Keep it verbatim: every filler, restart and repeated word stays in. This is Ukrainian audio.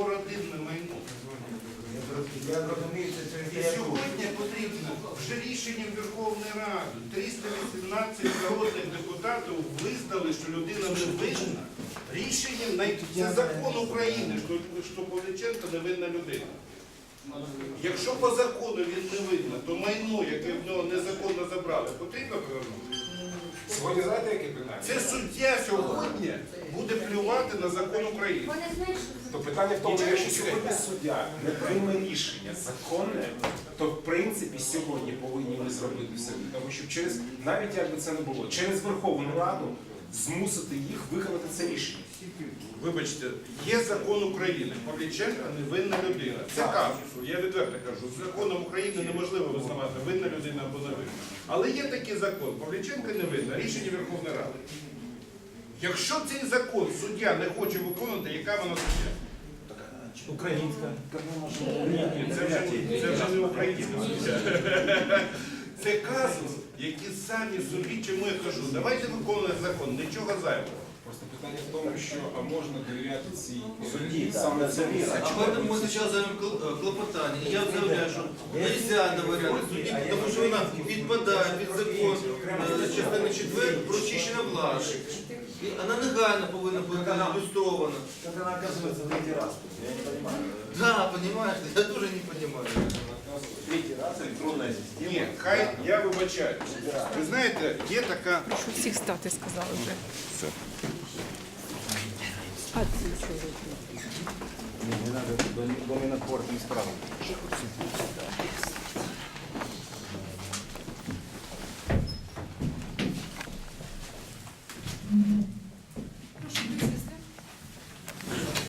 родинне майно. Я розумію, що І це сьогодні потрібно вже рішенням Верховної Ради триста вісімнадцять народних депутатів визнали, що людина не винна. Рішенням най- це закон України, що, що Павліченко не винна людина. Якщо по закону він не винна, то майно, яке в нього незаконно забрали, потрібно повернути. Сьогодні знаєте, яке питання? Це суддя сьогодні буде плювати на закон України. Вони знають, що То питання в тому, що якщо сьогодні суддя не прийме рішення законне, то в принципі сьогодні повинні ми зробити все. Тому що через, навіть як би це не було, через Верховну Раду змусити їх виконати це рішення. Вибачте, є закон України. Павліченко невинна людина. Це казус. Я відверто кажу, з законом України неможливо визнавати, винна людина або не винна. Але є такий закон. Павліченко невинна. Рішення Верховної Ради. Якщо цей закон суддя не хоче виконувати, яка вона суддя? українська. Ні, це вже, це вже не українська суддя. Це казус, які самі собі, чому я кажу, давайте виконувати закон, нічого зайвого. Просто питання в тому, що а можна довіряти цій Судді, саме так, цьому. це А поэтому мы сейчас займем клопотання. І я заявляю, що нельзя довіряти судді, тому що вона підпадає під закон е, частини четвертої про очищення влади. І вона негайно повинна бути ілюстрована. Как она оказывается третий раз? Я не понимаю. Да, понимаешь, я тоже не понимаю. Третий раз электронная система. Ні, хай я вибачаю. Ви знаєте, є така. Прошу всіх стати, сказали вже. А ці що робити? Не, не надо, до, до Минопорта не справа.